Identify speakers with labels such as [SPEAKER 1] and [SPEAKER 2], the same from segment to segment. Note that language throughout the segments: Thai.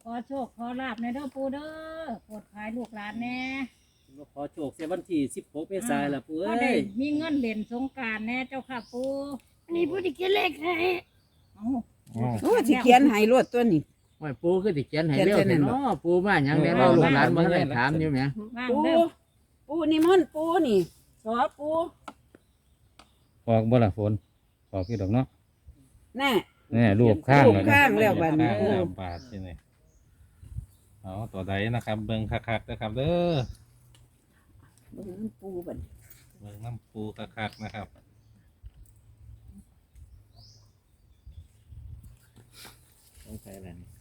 [SPEAKER 1] อโชคขอลาบในเด้อปูเด้อโปรดขายลูกหลานแน่
[SPEAKER 2] ขอโชคเสียวันที่16เมษายนล่ะปู่
[SPEAKER 1] ก็
[SPEAKER 2] เอ้
[SPEAKER 1] ได้
[SPEAKER 2] ย
[SPEAKER 1] มีเงินเด่นสงกรานต์แน่เจ้าค่ะปู
[SPEAKER 3] อันนี้ผู้ที่เขียนเลขให้
[SPEAKER 1] เอา
[SPEAKER 4] โอ้สิเขียนให้รวดตัวนี้
[SPEAKER 5] โอ้ยปูคือสิเขียนให้
[SPEAKER 4] เขียน
[SPEAKER 5] เร็ว
[SPEAKER 4] เส้นนั่
[SPEAKER 5] แท้
[SPEAKER 4] นบ่
[SPEAKER 5] เนาะปูมาหยังได้เล่าลูกหลานบ่ได้ถามอยู่แหม
[SPEAKER 1] ว่าง
[SPEAKER 4] ปู
[SPEAKER 1] เด้อ
[SPEAKER 4] ปูนิมนต์ปูนี่สอปู
[SPEAKER 6] ออกบ่ล่ะฝนออกอยู่ดอกเนาะ
[SPEAKER 4] แน่
[SPEAKER 6] แนี่รูปข้าง
[SPEAKER 4] รูป
[SPEAKER 6] แล้ว
[SPEAKER 4] ข้างแล้วบัดนี้
[SPEAKER 7] ข้างแล้วบาทที่นี่เอาตัวใดนะครับ เบิ่งคักๆนะครับเด้อ
[SPEAKER 4] เบิ่งมันปูบัดนี้
[SPEAKER 7] เบิ่งน้ำปูคักๆนะครับ
[SPEAKER 2] ต้องใช้อะไรนี่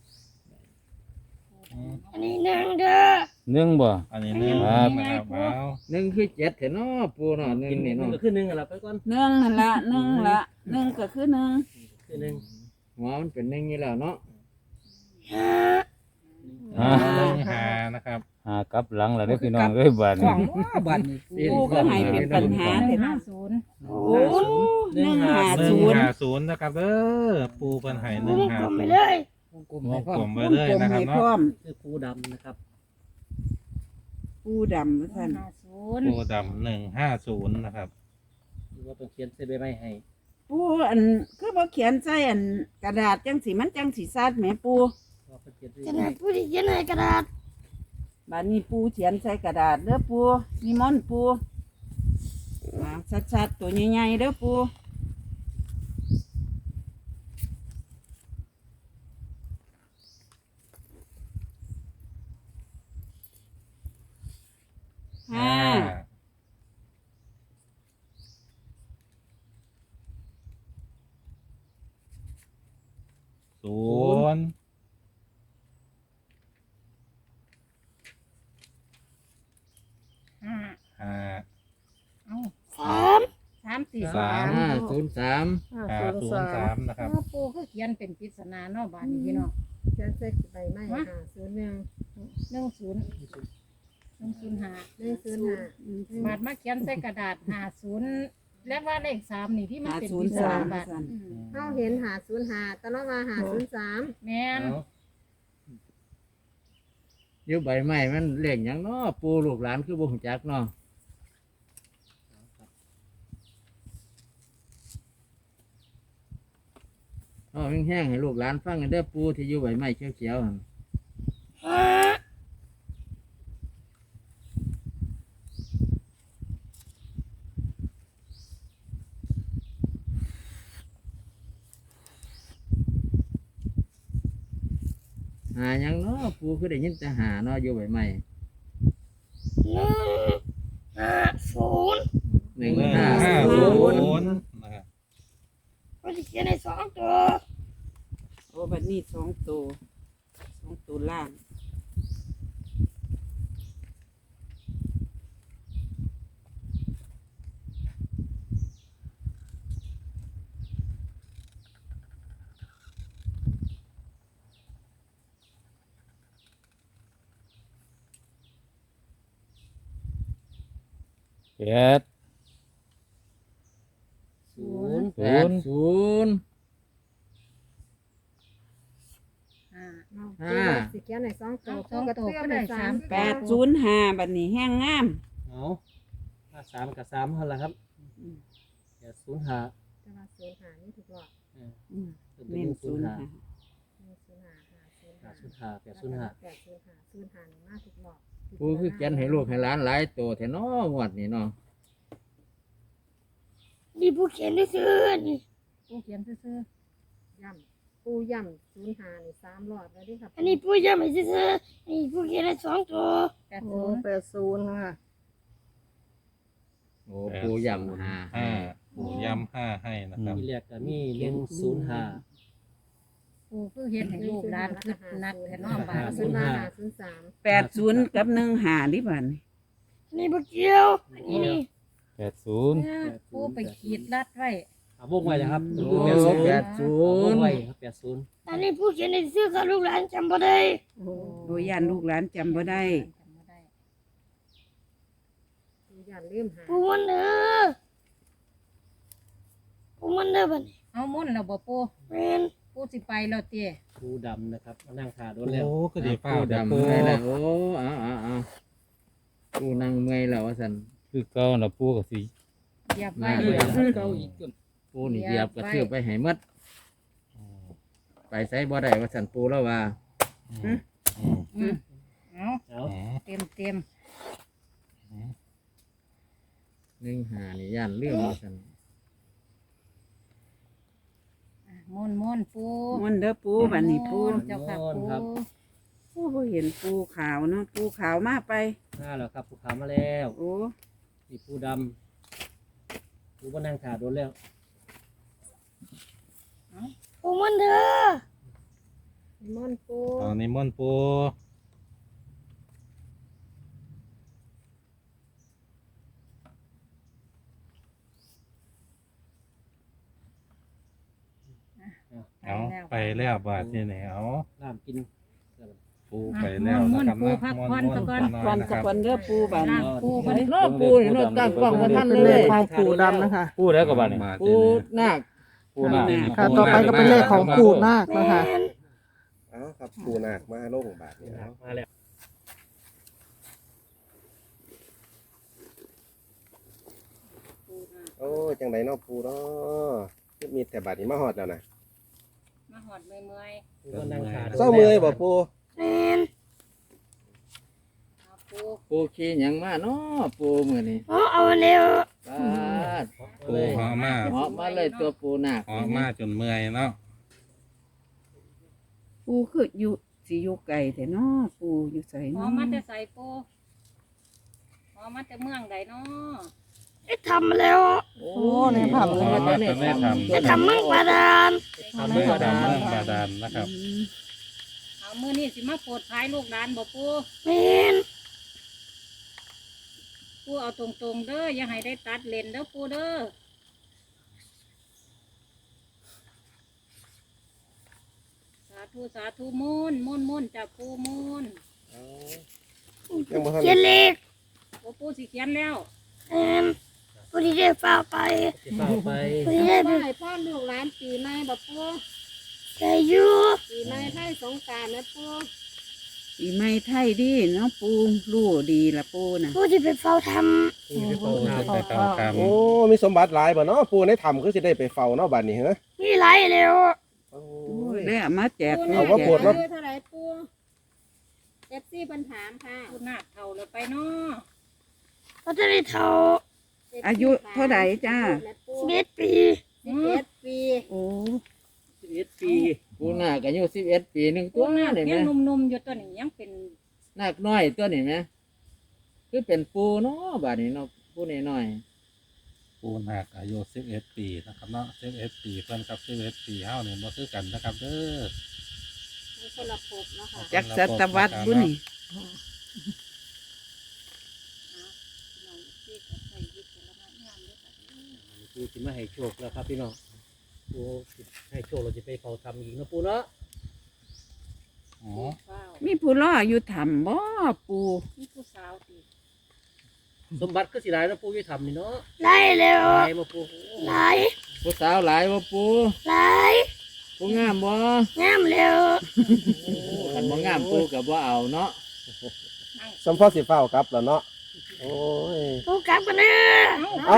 [SPEAKER 3] อันนี้หนึ่งเด้อ
[SPEAKER 6] หนึ่งบ่
[SPEAKER 7] อันนี้หนึ่ง
[SPEAKER 6] ครับ
[SPEAKER 7] นะครับเอา
[SPEAKER 5] หนึ่งคือ7แท้เนาะปูเนาะหนึ่ง
[SPEAKER 2] กิน
[SPEAKER 5] นี่
[SPEAKER 2] นึง
[SPEAKER 5] เนาะ
[SPEAKER 2] ก็คือ1ล่ะไปก่อน
[SPEAKER 4] หนึ่งนั่นละหนึ่งละหนึ่งก็คือหนึ่ง
[SPEAKER 2] คือ1
[SPEAKER 5] หัวมันเป็นหนึ่งอยู่แล้วเนาะ
[SPEAKER 3] ห้า
[SPEAKER 7] หนึ่งหานะครับ
[SPEAKER 6] หากลับหลังแล้วเด้อพี่น้องเอ้ยบาด
[SPEAKER 4] ข
[SPEAKER 6] นี้
[SPEAKER 4] องว่าบัดนี้ปูก็ให้เป็นปัญหา
[SPEAKER 1] ห
[SPEAKER 4] เถ
[SPEAKER 1] นึ่ง
[SPEAKER 4] อะ
[SPEAKER 1] ห้า
[SPEAKER 4] เนาะ
[SPEAKER 1] ศูนย์
[SPEAKER 4] โอ้หนึ่งห้า
[SPEAKER 7] หนึ่
[SPEAKER 4] ศู
[SPEAKER 7] ง
[SPEAKER 4] นย์
[SPEAKER 7] หาศูนย์นะครับเด้อปูเพิ่นให้ห
[SPEAKER 3] ผู้
[SPEAKER 7] นึ่ง
[SPEAKER 3] ที่
[SPEAKER 7] หาก
[SPEAKER 3] ลม
[SPEAKER 7] ศู
[SPEAKER 3] ไป
[SPEAKER 7] นย์
[SPEAKER 3] เลย
[SPEAKER 2] วงกลม
[SPEAKER 7] ว
[SPEAKER 2] ให้
[SPEAKER 7] ง
[SPEAKER 2] พร้อก
[SPEAKER 7] ล
[SPEAKER 2] ม
[SPEAKER 7] มไว้เลยนะครับ
[SPEAKER 4] ให้
[SPEAKER 7] เนาะ
[SPEAKER 4] พร้อม
[SPEAKER 2] คือปูดำนะครับ
[SPEAKER 4] ปูดำว่าซั่น
[SPEAKER 1] 50
[SPEAKER 7] ปูดำ150นะครับ
[SPEAKER 2] หรือว่าต้องเขียนใส่ใบไม้ให้
[SPEAKER 4] ปูอันคือบ่เขียนใส่อันกระดาษจังสิมันจังสิซัดแหมปู
[SPEAKER 2] ว่าเพิ่นเขียนใส่
[SPEAKER 3] ขนาดผู้ที่เขียนให้กระดาษ
[SPEAKER 4] บัดนี้ปูเขียนใส่กระดาษเด้อปูนิมนต์ปูมาชัดๆตัวใหญ่ๆเด้อปูห้า
[SPEAKER 7] ศูนย์
[SPEAKER 1] ห้า
[SPEAKER 7] ห้า
[SPEAKER 1] เอา
[SPEAKER 3] สาม
[SPEAKER 1] 3 4
[SPEAKER 7] สาม
[SPEAKER 5] 503
[SPEAKER 7] 503นะครับ
[SPEAKER 1] เอาปูคือเขียนเป็นปริศนาเนาะบาดนี้พี่น้อง
[SPEAKER 8] เขียนใส่ใบไม้ค่ะ01
[SPEAKER 1] 10 105
[SPEAKER 8] 105
[SPEAKER 1] บาดมาเขียนใส่กระดาษ50และว่าเลข3นี่ที่มันเป็นปริศนาบาด
[SPEAKER 8] เฮาเห็น505แต่เราว่า503
[SPEAKER 1] แม่น
[SPEAKER 5] เอาอยู่ใบไม้มันเลขหยังเนาะปูลูกหลานคือบ่ฮู้จักเนาะเอาแห้งๆให้ลูกหลานฟังกันเด้อปูที่อยู่ใบไม้เขียวๆหั่น
[SPEAKER 3] ห้า
[SPEAKER 5] หาหยังเนาะปูคือได้ยินแต่หาเนาะอยู่ใบไม้
[SPEAKER 3] หนึ่ง
[SPEAKER 5] 150
[SPEAKER 3] ห้าศูนย์
[SPEAKER 7] 150นะครับ
[SPEAKER 3] ผู้ที่เขียนให้สองตัว
[SPEAKER 4] โอ้บัดนี้สองตัวล่าง
[SPEAKER 6] เจ็ด
[SPEAKER 2] 0
[SPEAKER 5] 80
[SPEAKER 1] 5
[SPEAKER 8] สิเขียนให้2ตัว
[SPEAKER 1] สองตัวก็ได้สาม
[SPEAKER 4] 805บัดนี้แห้งงาม
[SPEAKER 2] เอา53กับ3เท่าไหร่ครับเดี๋ยว05
[SPEAKER 8] แต่ว่า05นี่ถูกหรอก
[SPEAKER 4] อืม
[SPEAKER 2] เป็น
[SPEAKER 4] เน้น
[SPEAKER 2] 05
[SPEAKER 8] 105
[SPEAKER 2] 505
[SPEAKER 8] 05มาถูกหรอก
[SPEAKER 5] ปูคือเขียนให้ลูกให้หลานหลายตัวแท้เนาะงวดนี้เนาะ
[SPEAKER 3] นี่ผู้เขียนได้ซื้อนี่
[SPEAKER 1] ปูเขียนซื่อ
[SPEAKER 8] ย่ำปูย่ำ05นี่3รอบแล้วดิครับ
[SPEAKER 3] อันนี้ผู้ยังไม่ซื้ออันนี้ผู้เขียนให้สองตัว
[SPEAKER 1] ๆ80
[SPEAKER 8] 80ค่ะ
[SPEAKER 5] โอ้ปูย่ำหา
[SPEAKER 7] ห้าปูย้ำห้าให้นะครับ
[SPEAKER 2] มีแรกก็มี105
[SPEAKER 1] ปูคือเฮ็ดให้ลูกหลานคึดนักแท้เนาะบาด
[SPEAKER 8] 05
[SPEAKER 4] 80กับ15ดิบัดนี้
[SPEAKER 3] อันนี้ผู้เกี่ยวอันนี้นี่
[SPEAKER 6] 80
[SPEAKER 1] ปูไปขีดลัดไว้
[SPEAKER 2] วงไว้นะครับ
[SPEAKER 5] โอ้
[SPEAKER 2] วงไว้
[SPEAKER 5] 80
[SPEAKER 2] ครับ80
[SPEAKER 3] อันนี้ผู้เขียนให้ซื้อกับลูกหลานจำบ่ได้
[SPEAKER 4] โดยย่านลูกหลานจำบ่ได้
[SPEAKER 8] ปูย่ำลืมหา
[SPEAKER 3] ผู้มันเด้อผู้มันเด้อบัดนี้
[SPEAKER 1] เอามุ่นแล้วบ่ปู
[SPEAKER 3] แม่น
[SPEAKER 1] ปูปูสิไปแล้วเตี้ย
[SPEAKER 2] ปูดำนะครับมานั่งขาโด
[SPEAKER 7] โอ้
[SPEAKER 2] นแล้ว
[SPEAKER 7] ก็ดีเปล่า
[SPEAKER 5] ปู
[SPEAKER 7] เดี๋ยว
[SPEAKER 5] ดำ
[SPEAKER 7] ปู
[SPEAKER 5] เมื่อยแล้วโอ้เอาปูนั่งเมื่อยแล้วว่าซั่น
[SPEAKER 6] คือเก่าน่ะปูก็สิ
[SPEAKER 1] เหยียบไว้
[SPEAKER 5] มาเลยปูนี่เหยียบกระทืบไปให้หมดไปไสบ่ได้ว่าซั่นปูแล้วว่า
[SPEAKER 1] อืมเอา
[SPEAKER 2] เอา
[SPEAKER 1] เต็ม
[SPEAKER 5] 15นี่ย่านลืมว่าซั่น
[SPEAKER 1] ม่วนปู
[SPEAKER 4] มนต์เด้อปูบัดนี้ปู
[SPEAKER 1] เจ้าค่ะปู
[SPEAKER 4] โอ้บ่เห็นปูขาวเนาะปูขาวมาไป
[SPEAKER 2] มาแล้วครับปูขาวมาแล้ว
[SPEAKER 4] โอ้
[SPEAKER 2] นี่ปูดำปูมานั่งขาโดนแล้ว
[SPEAKER 3] ปูมันเด้อ
[SPEAKER 8] นิมนต์ปู
[SPEAKER 7] ตอนนี้ม่อนปู เอาไปแล้วบาทนี่เนี่ยเอา
[SPEAKER 2] น้ำกิน
[SPEAKER 7] ปูไปแล้วนะครับนะม่อนๆ
[SPEAKER 4] ก่อน
[SPEAKER 7] น้อยๆ
[SPEAKER 4] สั
[SPEAKER 7] นะ
[SPEAKER 4] ก
[SPEAKER 7] ครับ
[SPEAKER 4] วันเด้อปูบัดนี้
[SPEAKER 1] ปูบัดนี้
[SPEAKER 5] โน้ปูนี่โน้ตั้งกล้องมาท่าน
[SPEAKER 9] เป็น
[SPEAKER 5] เล
[SPEAKER 9] เลย ขของปู่ดำนะคะ
[SPEAKER 6] ปูแล้วก็บัดนี้
[SPEAKER 5] ปูนาค
[SPEAKER 6] ปูน่ะ
[SPEAKER 9] ค่ะ ต่อไปก็เป็นเลขของปู่นาค
[SPEAKER 3] แม่
[SPEAKER 9] นะคะ
[SPEAKER 3] น
[SPEAKER 10] เอาครับปูนาคมาโลงบาทนี่เอา
[SPEAKER 2] มาแล้ว
[SPEAKER 10] โอ้จังไดเนาะปูเนาะมีแต่บาทนี้มาฮอดแล้วนะ
[SPEAKER 1] มาหอดเมื่อย
[SPEAKER 2] ปูมานั่งขาโดน
[SPEAKER 10] เศร้าเมื่อยบ่ปู
[SPEAKER 3] แม่น
[SPEAKER 1] ๆเอาปู
[SPEAKER 5] ปูขี่หยังมาเนาะปูมื้อนี้
[SPEAKER 3] เอาเร็ว
[SPEAKER 5] ปาด
[SPEAKER 7] ปูหอมมา
[SPEAKER 5] เหาะมาเลยตัวปูนาค
[SPEAKER 7] หอมมาจนเมื่อยเนาะ
[SPEAKER 4] ปูคืออยู่สิอยู่ไกลแต่เนาะปูอยู่ไส
[SPEAKER 1] หอ
[SPEAKER 4] เนาะ
[SPEAKER 1] มาแต่ใส่ปูหอมาแต่เมืองใดเนาะ
[SPEAKER 3] ได้ทำแล้ว
[SPEAKER 5] โอ้
[SPEAKER 9] เนี่ยค่ะ
[SPEAKER 7] หอมมาจนได้ทำ
[SPEAKER 3] ได้ทำเมืองบาดาล
[SPEAKER 7] ทำเรื่องดำเรื่องบาดาลนะครับ
[SPEAKER 1] เอามื้อนี้สิมาโปรดภายลูกหลานบ่ปู
[SPEAKER 3] แม่น
[SPEAKER 1] ปูเอาตรงๆเด้ออย่าให้ได้ตัดเลนเด้อปูเด้อสาธุมุ่นจากปูมุ่น
[SPEAKER 10] ยังบ่ทัน
[SPEAKER 3] เขียนเลข
[SPEAKER 1] โอ้ปูสิเขียนแล้ว
[SPEAKER 3] แม่นผู้ที่ได้ฟ้าไป
[SPEAKER 2] สิเฝ้าไป
[SPEAKER 3] ผู้ที่ได้ไป
[SPEAKER 8] ให้พ่อลูกหลานปีใหม่บ่ปู
[SPEAKER 3] ได้อยู่
[SPEAKER 8] ปีใหม่ไทยสงกรานต์นะปู
[SPEAKER 4] ปีใหม่ไทยดีเนาะปูรู้ดีละปูน่ะ
[SPEAKER 3] ผู้ที่ไปเฝ้าท
[SPEAKER 2] ปูสิเฝ้า
[SPEAKER 7] ปู
[SPEAKER 2] ทำ
[SPEAKER 7] ไปเฝ้าค
[SPEAKER 10] โอ้มีสมบัติหลายบ่เนาะปูในถ้ำคือสิได้ไปเฝ้าเนาะบัดนี้เหรอ
[SPEAKER 3] ำมีหลายเร็ว
[SPEAKER 10] โอ้
[SPEAKER 4] โอ้ย
[SPEAKER 10] ย
[SPEAKER 4] ได้เอามาแจก
[SPEAKER 8] ปู
[SPEAKER 4] ลู
[SPEAKER 8] น่ะ
[SPEAKER 4] ก
[SPEAKER 10] ว่า
[SPEAKER 4] แจ
[SPEAKER 10] ปวด
[SPEAKER 4] ก
[SPEAKER 10] ว่า
[SPEAKER 8] อายุเท่าไหร่ปูเอฟซีเพิ่นถามค่ะ
[SPEAKER 1] ปูนาคเท่าเลยไปเนาะ
[SPEAKER 3] เขาจะได้เท่า
[SPEAKER 4] อายุเท่าไหร่จ้า
[SPEAKER 3] 11 ปี
[SPEAKER 8] 11 ปี
[SPEAKER 4] โอ้
[SPEAKER 2] 11 ปี
[SPEAKER 5] ปูนาคอายุ11 ปีหนึง
[SPEAKER 1] ปู
[SPEAKER 5] ตัว
[SPEAKER 1] นาค
[SPEAKER 5] นี่
[SPEAKER 1] ยั
[SPEAKER 5] แม่
[SPEAKER 1] งหนุ่มๆอยู่ตัวนี้ยังเป็น
[SPEAKER 5] นาคน้อยตัวนี่แม่คือเป็นปูเนาะบาดนี้เนาะปูน้อย
[SPEAKER 7] ำปูนาคอายุ11 ปีนะครับเนาะ11 ปีเพิ่นกับ11 ปีเฮาเนี่ยบ่คือกันนะครับเด้อ
[SPEAKER 8] มีคนละภพเนาะค่ะ
[SPEAKER 4] จักศตวรรษบุนี่
[SPEAKER 1] น้องที่ก็ใส่ยึดแต่ละงานด้วยกัน
[SPEAKER 2] ปูสิมาให้โชคแล้วครับพี่น้องปูสิให้โชคเราจะไปเฝ้าทำอีกเนาะปูเนาะ
[SPEAKER 7] อ๋อ
[SPEAKER 1] เฝ้า
[SPEAKER 4] มีผู้รออยู่ถ้ำบ่ปู
[SPEAKER 1] มีผู้สาวตี
[SPEAKER 2] สมบัติก็สิได้เนาะปูอยู่ทำนี่เนาะ
[SPEAKER 3] ได้เร็ว
[SPEAKER 2] ได้มาปู
[SPEAKER 3] หลาย
[SPEAKER 5] ๆผู้สาวหลายบ่ปู
[SPEAKER 3] หลาย
[SPEAKER 5] ปูงามบ่
[SPEAKER 3] งามเร็ว
[SPEAKER 5] คันบ่งามปูก็บ่เอาเนาะ
[SPEAKER 10] สมพอสิเฝ้ากลับแล้วเนาะโอ้ย
[SPEAKER 3] ผู้กลับกันเด้อ
[SPEAKER 10] เอ้า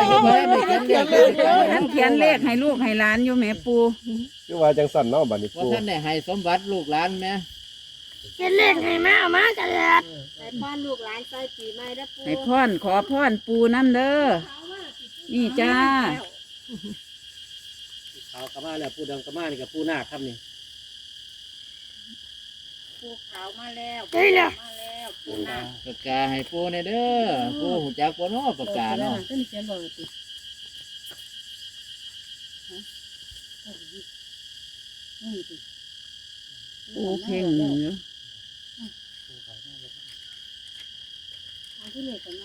[SPEAKER 4] ท่านเขียนเลขให้ลูกให้หลานอยู่แหม่ปู
[SPEAKER 10] คือว่าจังสั่นเนาะบัดนี้
[SPEAKER 5] ว่า
[SPEAKER 10] ปู
[SPEAKER 5] ท่านได้ให้สมบัติลูกหลานแม่
[SPEAKER 3] เขียนเลขให้มาเอามากระดาษ
[SPEAKER 8] ให้พ่อลูกหลานใส่ปีใหม่เด้อปู
[SPEAKER 4] ให้พรขอพรปูน้ำเด้อนี่จ้า
[SPEAKER 2] ขาวกระมาแล้วปูดำกระมานี่กับปูนาคครับนี่
[SPEAKER 1] ปูขาวมาแล้ว
[SPEAKER 3] ได้แล้ว
[SPEAKER 1] มาแล้วปูนาค
[SPEAKER 5] ปากกาให้ปูในเด้อปูหูจักบ่เนาะปากกาเนาะ
[SPEAKER 1] ต้นเขียนบอกติ
[SPEAKER 4] ปูเพ่งอยู่
[SPEAKER 1] เอาที่เลขกันมา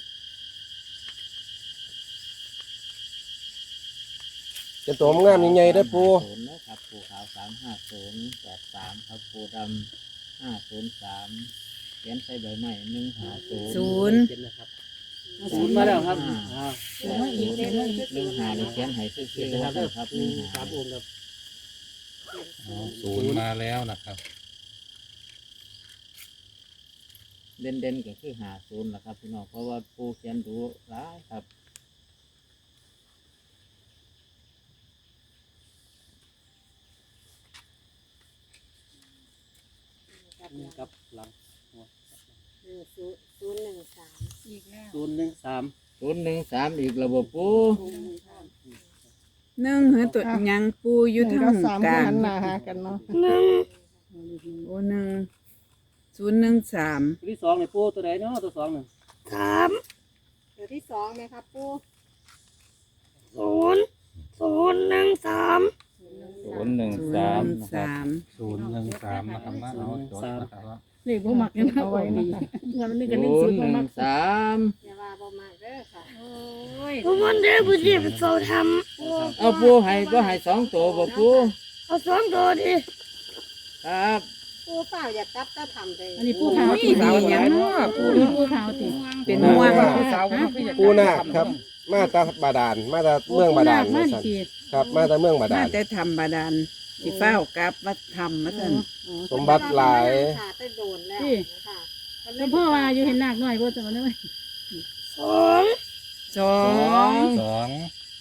[SPEAKER 10] จะตัวงามใหญ่ๆเด้อปู
[SPEAKER 5] 0นะครับปูขาว35083ครับปูดำ503เขียนใส่ใบไม้150
[SPEAKER 4] ศูนย์
[SPEAKER 2] เขียนนะครับศูนย์มาแล้วครับอ่า
[SPEAKER 5] 1 5นี่เขียนให้ซื่อๆ
[SPEAKER 2] นะครับ
[SPEAKER 5] ครับ
[SPEAKER 2] สามองค์ครับ
[SPEAKER 7] ศูนย์มาแล้วนะครับ
[SPEAKER 5] เด่นๆก็คือหาศูนย์แหละครับพี่น้องเพราะว่าปูเขียนดูร้ายครับ
[SPEAKER 2] กับหลัง
[SPEAKER 8] 013
[SPEAKER 1] อีกแล้ว
[SPEAKER 2] 013
[SPEAKER 5] 013อีกระบบปู
[SPEAKER 4] หนึ่งเหรอตัวหยังปูอยู่
[SPEAKER 9] หนึ่ง
[SPEAKER 4] ทาง
[SPEAKER 9] กับสาม
[SPEAKER 4] กลา
[SPEAKER 9] หั
[SPEAKER 4] ง
[SPEAKER 9] นหน้าหากันเนาะ
[SPEAKER 3] หนึ่ง
[SPEAKER 4] โอ้หนึ่ง013
[SPEAKER 2] ตัวที่สองนี่ปูตัวใดเนาะตัวสองหนึ่ง
[SPEAKER 3] สาม
[SPEAKER 8] ตัวที่สองไหมครับปู
[SPEAKER 3] ศูนย์1 3
[SPEAKER 6] 013
[SPEAKER 4] 013
[SPEAKER 7] 013นะครับนะเอาจดนะครับ
[SPEAKER 1] เลขบ่มักกันเอาไว้นะคะเงินนี่ก็1 0บ่มัก
[SPEAKER 5] 013
[SPEAKER 8] อย่าว่าบ่มากเด้อค่ะ
[SPEAKER 1] โอ้ย
[SPEAKER 3] ผู้มันเด้อผู้ที่เป็นโซท
[SPEAKER 5] เอาปูให้บ่ให้สองตัวบ่ปู
[SPEAKER 3] ำเอาสองตัวดิ
[SPEAKER 5] ครับ
[SPEAKER 8] ปูเปล่าอย่าจับจะทำเลย
[SPEAKER 1] อันนี้ผู้ขาว
[SPEAKER 4] นี่ดีหยังเนาะปู
[SPEAKER 1] ผู้ขาวติ
[SPEAKER 4] เป็นห่วง
[SPEAKER 10] ปูนาคครับ มาตาบาดาลมาตาเมืองบาดาล
[SPEAKER 1] มา
[SPEAKER 10] ว่า
[SPEAKER 1] ดิ
[SPEAKER 10] ซั่น
[SPEAKER 1] ติ
[SPEAKER 10] ครับ มาตาเมืองบาดา
[SPEAKER 4] น่า
[SPEAKER 10] ล
[SPEAKER 4] จะทำบาดาลสิเฝ้ากลับมาทำมาเถอะ
[SPEAKER 10] สมบัติหลาย
[SPEAKER 8] ขาดไปโดนแล้วค่ะ
[SPEAKER 1] แล้วพ่อว่าอยู่เห็นนาคน้อยบ่จังว่าได้ไหม
[SPEAKER 3] สอง
[SPEAKER 4] สอง
[SPEAKER 7] 2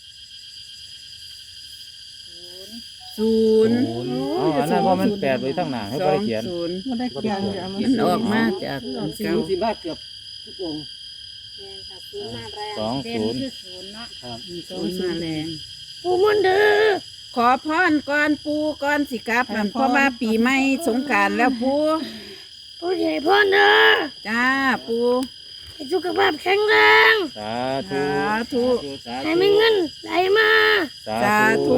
[SPEAKER 4] ศูนย์
[SPEAKER 6] อ๋ออันนั้นเพราะมัน8ไว้ทั้งหน้าให้
[SPEAKER 4] ส
[SPEAKER 6] บ่
[SPEAKER 4] อง
[SPEAKER 6] ได้เขียน
[SPEAKER 4] ศูนย์
[SPEAKER 9] บ่ได้เกี่ยงอย่ามา
[SPEAKER 4] มันออกมาจากอัน
[SPEAKER 2] สิ
[SPEAKER 4] เก่า
[SPEAKER 2] สิมาเกือบทุกองค์
[SPEAKER 8] แม่นค่ะศูนย์มาแรง
[SPEAKER 1] เด่น
[SPEAKER 6] 20
[SPEAKER 1] คือศูนย์เนาะ
[SPEAKER 2] ครับ
[SPEAKER 4] ศูนย์มาแรง
[SPEAKER 3] ผู้มันเด้อ
[SPEAKER 4] ขอพรก่อนปูก่อนสิกลับนั่นเพราะว่าปีใหม่สงกรานต์แล้วปู
[SPEAKER 3] ผู้ใหญ่พ่อเด้อ
[SPEAKER 4] จ้าปู
[SPEAKER 3] ให้สุขภาพแข็งแรง
[SPEAKER 6] สาธุ
[SPEAKER 4] สาธุ
[SPEAKER 3] ให้มีเงินไหลมา
[SPEAKER 4] สาธุ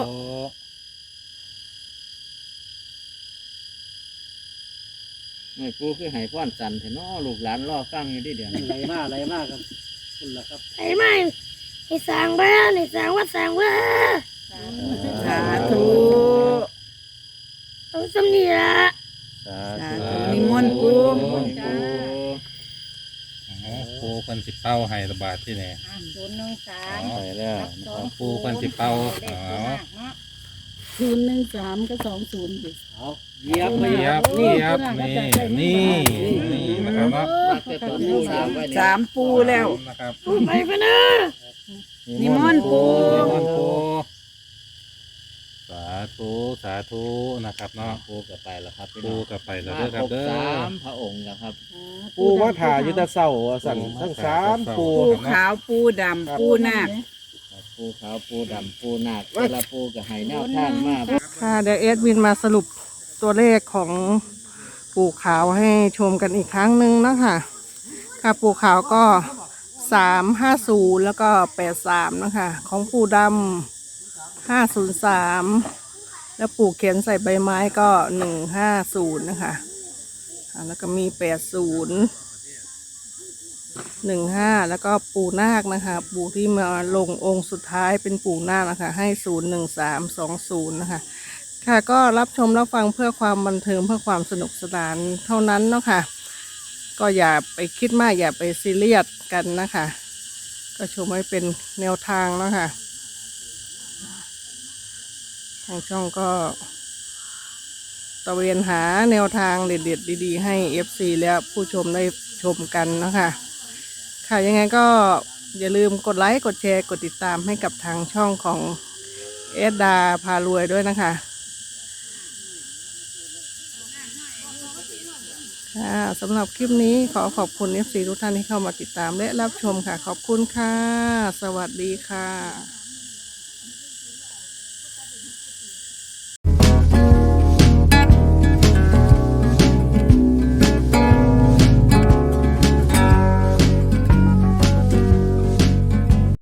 [SPEAKER 5] ไม่ปูคือให้พ่อนสันเถอะเนาะลูกหลานรอฟังอยู่ที่เดียวนี้
[SPEAKER 2] ไหลมากันคุณล่ะครับ
[SPEAKER 3] ไหลมาให้สร้างบ้านให้สร้างวัดสร้างว่า
[SPEAKER 4] สาธุ
[SPEAKER 3] เอาสำเนีย
[SPEAKER 6] สา
[SPEAKER 4] สา
[SPEAKER 6] ธุ
[SPEAKER 4] ธุนิมนต์ปู
[SPEAKER 7] ปูเพิ่นสิเป้าให้ระบาดที่ไหน
[SPEAKER 1] 013
[SPEAKER 6] ไปแล้วนะครับ
[SPEAKER 7] ปูเพิ่นสิเป่า
[SPEAKER 1] เลข
[SPEAKER 7] อ๋อ
[SPEAKER 1] ตัวมากเนาะ
[SPEAKER 9] 013กับ20ดิ
[SPEAKER 2] เอาเหยียบ
[SPEAKER 7] เยียบเยียบนี่นะครับเนาะ
[SPEAKER 5] มักจะตัวปูสามไว้นี่
[SPEAKER 4] สามปูแล้ว
[SPEAKER 7] นะครับ
[SPEAKER 3] ไปพะเด้อ
[SPEAKER 4] นิมนต์ปู
[SPEAKER 7] นิมนต์ปูสาธุสาธุนะครับเนาะ
[SPEAKER 5] ปูกับไปแล้วครับพี่
[SPEAKER 7] ปู
[SPEAKER 5] น้อง
[SPEAKER 7] กลับไปแล้ว
[SPEAKER 5] มา
[SPEAKER 7] เด้อค
[SPEAKER 5] ครับรบ
[SPEAKER 7] เด้อ
[SPEAKER 5] สามพระองค์แล้วครับ
[SPEAKER 10] ปูมาถ่ายอยุตะเศร้าว่าสั่นทั้งสามปู
[SPEAKER 4] ปูขาวปูดำปูนาค
[SPEAKER 5] ปูขาวปูดำปูนาคแต่ละปูกับไห้แนวทางมาก
[SPEAKER 9] ค่ะเดี๋ยวเอดวินมาสรุปตัวเลขของปู่ขาวให้ชมกันอีกครั้งหนึ่งนะคะค่ะปู่ขาวก็350แล้วก็83นะคะของปู่ดำ503แล้วปู่เขียนใส่ใบไม้ก็150นะคะแล้วก็มี80 15แล้วก็ปู่นาคนะคะ ปู่ที่มาลงองค์สุดท้ายเป็นปู่นาคนะคะให้01320นะคะค่ะก็รับชมรับฟังเพื่อความบันเทิงเพื่อความสนุกสนานเท่านั้นเนาะค่ะก็อย่าไปคิดมากอย่าไปซีเรียสกันนะคะ ก็ชมให้เป็นแนวทางเนาะค่ะทางช่องก็ตะเวนหาแนวทางเด็ดๆดีๆให้ FC และผู้ชมได้ชมกันเนาะค่ะค่ะยังไงก็อย่าลืมกดไลค์กดแชร์กดติดตามให้กับทางช่องของเอสดาพารวยด้วยนะคะค่ะสำหรับคลิปนี้ขอขอบคุณ FC ทุกท่านที่เข้ามาติดตามและรับชมค่ะขอบคุณค่ะสวัสดีค่ะ